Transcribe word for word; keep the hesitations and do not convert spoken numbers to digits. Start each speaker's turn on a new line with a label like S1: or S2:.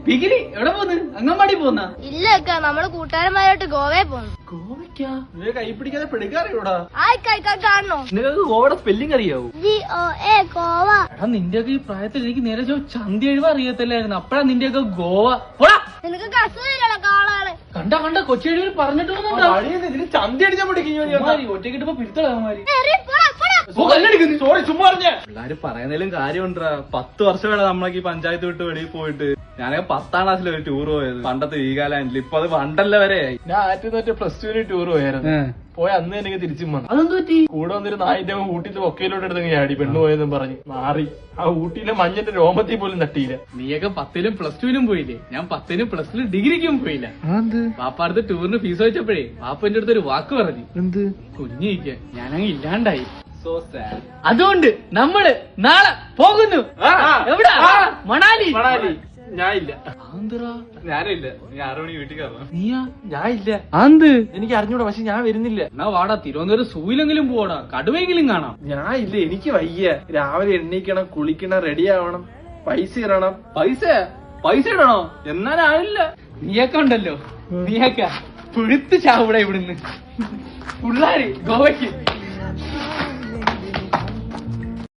S1: പിഗിലി എവിടെ പോന്ന്? അംഗൻവാടി പോന്ന?
S2: ഇല്ല അക്ക, നമ്മള് കൂട്ടുകാരന്മാരോട്ട് ഗോവയെ പോന്നു.
S1: ഗോവയ്ക്കാ? നിനക്ക് കൈ പിടിക്കാതെ പിടിക്കാറിയോടാ?
S2: കാണണോ?
S1: നിനക്ക് ഗോവയുടെ സ്പെല്ലിംഗ് അറിയാവൂ?
S2: G O A Goa.
S1: എടാ നിന്റെയൊക്കെ ഈ പ്രായത്തിൽ എനിക്ക് നേരെ ചോ ചന്തി എഴുവ അറിയത്തില്ലായിരുന്നു. അപ്പഴാ നിന്റെയൊക്കെ ഗോവ. പോടാ.
S2: നിനക്ക് അസുഖമില്ലല്ലോ കാളാണ്.
S1: കണ്ട കണ്ട കൊച്ചെഴുവിൽ പറഞ്ഞിട്ട് ചന്തി അടിച്ചാൽ ഒറ്റക്കിട്ടപ്പോ പിടുത്തമാരി സോറി ചുമ്മാ പറഞ്ഞ പിള്ളേര് പറയുന്നതിലും കാര്യമുണ്ടാ. പത്ത് വർഷമേ നമ്മളൊക്കെ ഈ പഞ്ചായത്ത് വിട്ട് വെളിയിൽ പോയിട്ട്. ഞാനൊക്കെ പത്താം ക്ലാസ്സിൽ ഒരു ടൂർ പോയത് പണ്ടത്തെ വീഗാലാൻഡിൽ. ഇപ്പൊ അത് പണ്ടല്ല വരെ. ഞാൻ ആദ്യത്തെ തൊട്ട് പ്ലസ് ടുവിന് ടൂർ പോയായിരുന്നു. പോയ അന്ന് എനിക്ക് തിരിച്ചും വന്നു. അതെന്ത് പറ്റി? കൂടെ വന്നൊരു നായിന്റെ ഊട്ടിയിലെ ഒക്കയിലോട്ട് എടുത്ത് ചാടി പെണ്ണു പോയെന്നും പറഞ്ഞ് മാറി. ആ ഊട്ടിയിലെ മഞ്ഞന്റെ രോമത്തിൽ പോലും തട്ടിയില്ല. നീയൊക്കെ പത്തിലും പ്ലസ് ടുവിനും പോയില്ലേ? ഞാൻ പത്തിനും പ്ലസ് ടു ഡിഗ്രിക്കും പോയില്ല. പാപ്പ അടുത്ത് ടൂറിന് ഫീസ് വെച്ചപ്പോഴേ പാപ്പ എന്റെ അടുത്ത് ഒരു വാക്ക് പറഞ്ഞു. എന്ത്? കുഞ്ഞിരിക്കാൻ. ഞാനങ്ങ് ഇല്ലാണ്ടായി. So sad. അതുകൊണ്ട് നമ്മള് നാളെ പോകുന്നു. എവിടാ? മണാലി. മണാലി ഞാനില്ല. ഞാനില്ല. നീ ആറു മണി വീട്ടിൽ കയറണം. നീയാ? ഞാനില്ല. എന്ത്? എനിക്ക് അറിഞ്ഞൂടാ. പക്ഷെ ഞാൻ വരുന്നില്ല. എന്നാ വാടാ തിരുവനന്തപുരം സൂയിലെങ്കിലും പോടാ, കടുവയെങ്കിലും കാണാം. ഞാൻ ഇല്ല, എനിക്ക് വയ്യ. രാവിലെ എണ്ണീക്കണം, കുളിക്കണം, റെഡി ആവണം, പൈസ ഇടണം. പൈസ പൈസ ഇടണോ? എന്നാലായില്ല. നീയൊക്കെ ഉണ്ടല്ലോ, നീയൊക്കെ പുഴുത്ത് ചാവൂടെ ഇവിടുന്ന്. പിള്ളാര് ഗോവയ്ക്ക്